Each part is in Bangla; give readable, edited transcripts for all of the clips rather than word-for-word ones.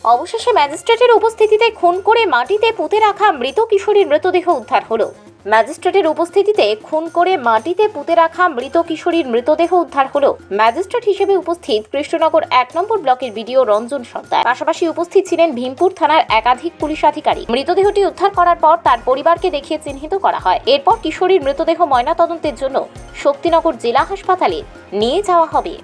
অবশেষে ম্যাজিস্ট্রেটের উপস্থিতিতে খুন করে মাটিতে পুঁতে রাখা মৃত কিশোরীর মৃতদেহ উদ্ধার হলো। ম্যাজিস্ট্রেটের উপস্থিতিতে খুন করে মাটিতে পুঁতে রাখা মৃত কিশোরীর মৃতদেহ উদ্ধার হলো। ম্যাজিস্ট্রেট হিসেবে উপস্থিত কৃষ্ণনগর ১ নম্বর ব্লকের বিডিও রঞ্জন সর্দার, পাশাপাশি উপস্থিত ছিলেন ভীমপুর থানার একাধিক পুলিশ আধিকারিক। মৃতদেহটি উদ্ধার করার পর তার পরিবারকে দেখিয়ে চিহ্নিত করা হয়। এরপর কিশোরীর মৃতদেহ ময়নাতদন্তের জন্য শক্তিনগর জেলা হাসপাতালে নিয়ে যাওয়া হবে।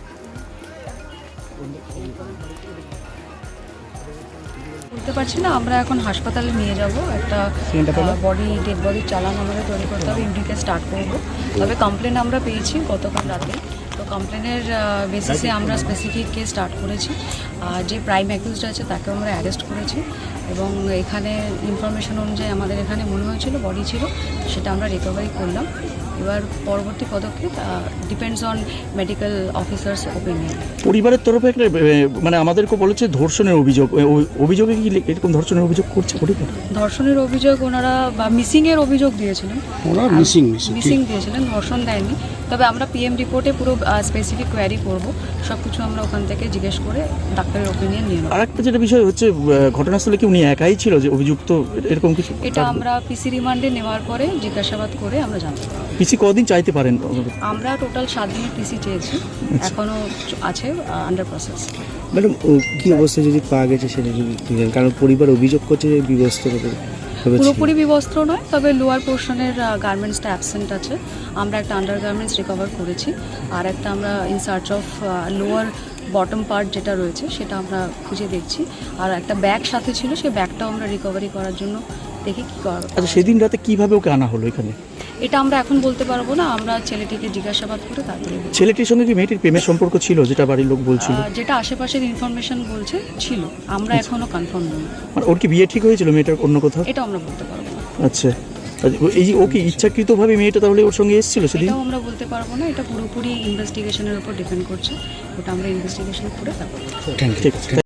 বলতে পারছি না, আমরা এখন হাসপাতালে নিয়ে যাব। একটা ডেড বডির চালান আমাদের তৈরি করতে হবে, ইউডিতে স্টার্ট করব। তবে কমপ্লেন আমরা পেয়েছি গতকাল রাতে, তো কমপ্লেনের বেসিসে আমরা স্পেসিফিক কেস স্টার্ট করেছি। যে প্রাইম অ্যাকিউজড আছে তাকে আমরা অ্যারেস্ট করেছি এবং এখানে ইনফরমেশন অনুযায়ী আমাদের এখানে মনে হয়েছিল বডি ছিল, সেটা আমরা রিকভারি করলাম। এবার পরবর্তী পদক্ষেপ depends on medical officers opinion. পরিবারের তরফে একটা মানে আমাদেরকে বলেছে ধর্ষণের অভিযোগ, অভিযোগে কি এরকম ধর্ষণের অভিযোগ করছে পরিবার? ধর্ষণের অভিযোগ ওনারা বা মিসিংয়ের অভিযোগ দিয়েছিলেন, মিসিং দিয়েছিলেন, ধর্ষণ দেয়নি। তবে আমরা পিএম রিপোর্টে পুরো স্পেসিফিক কোয়ারি করব, সব কিছু আমরা ওখান থেকে জিজ্ঞেস করে ডাক্তারের ওপিনিয়ন নিয়ে নেব। আর একটা যেটা বিষয় হচ্ছে, ঘটনাস্থলে কি উনি একাই ছিল যে অভিযুক্ত, এরকম কিছু? এটা আমরা পিসি রিমান্ডে নেওয়ার পরে জিজ্ঞাসাবাদ করে আমরা জানতে পারব। পিসি কদিন চাইতে পারেন? আমরা টোটাল 7 দিনের পিসি চেয়েছি, এখনও আছে আন্ডার প্রসেস। ম্যাডাম, কি অবস্থা যদি পাওয়া গেছে সেটা যদি দিলেন, কারণ পরিবার অভিযোগ করছে যে বিবস্ত্র পুরোপুরি বিবস্ত্র নয়, তবে লোয়ার পোর্শনের গার্মেন্টসটা অ্যাবসেন্ট আছে। আমরা একটা আন্ডার গার্মেন্টস রিকভার করেছি, আর একটা আমরা in search of lower bottom part যেটা রয়েছে সেটা আমরা খুঁজে দেখছি। আর একটা ব্যাগ সাথে ছিল, সেই ব্যাগটাও আমরা রিকভারি করার জন্য দেখি কী করা। আচ্ছা, সেদিন রাতে কিভাবে ওকে আনা হলো এখানে? এটা আমরা এখন বলতে পারবো না, আমরা ছেলেটিকে জিজ্ঞাসাবাদ করে তারপরে। ছেলেটির সঙ্গে কি মেয়েটির প্রেমের সম্পর্ক ছিল, যেটা বাড়ির লোক বলছিল? যেটা আশেপাশের ইনফরমেশন বলছে ছিল, আমরা এখনো কনফার্ম নই। মানে ওর কি বিয়ে ঠিক হয়েছিল মেয়েটার অন্য কোথাও? এটা আমরা বলতে পারবো না। আচ্ছা, এই ও কি ইচ্ছাকৃতভাবে মেয়েটা তাহলে ওর সঙ্গে এসেছিল সেদিন? এটাও আমরা বলতে পারবো না, এটা পুরোপুরি ইনভেস্টিগেশনের উপর ডিপেন্ড করছে, ওটা আমরা ইনভেস্টিগেশন করে তারপর। ঠিক আছে।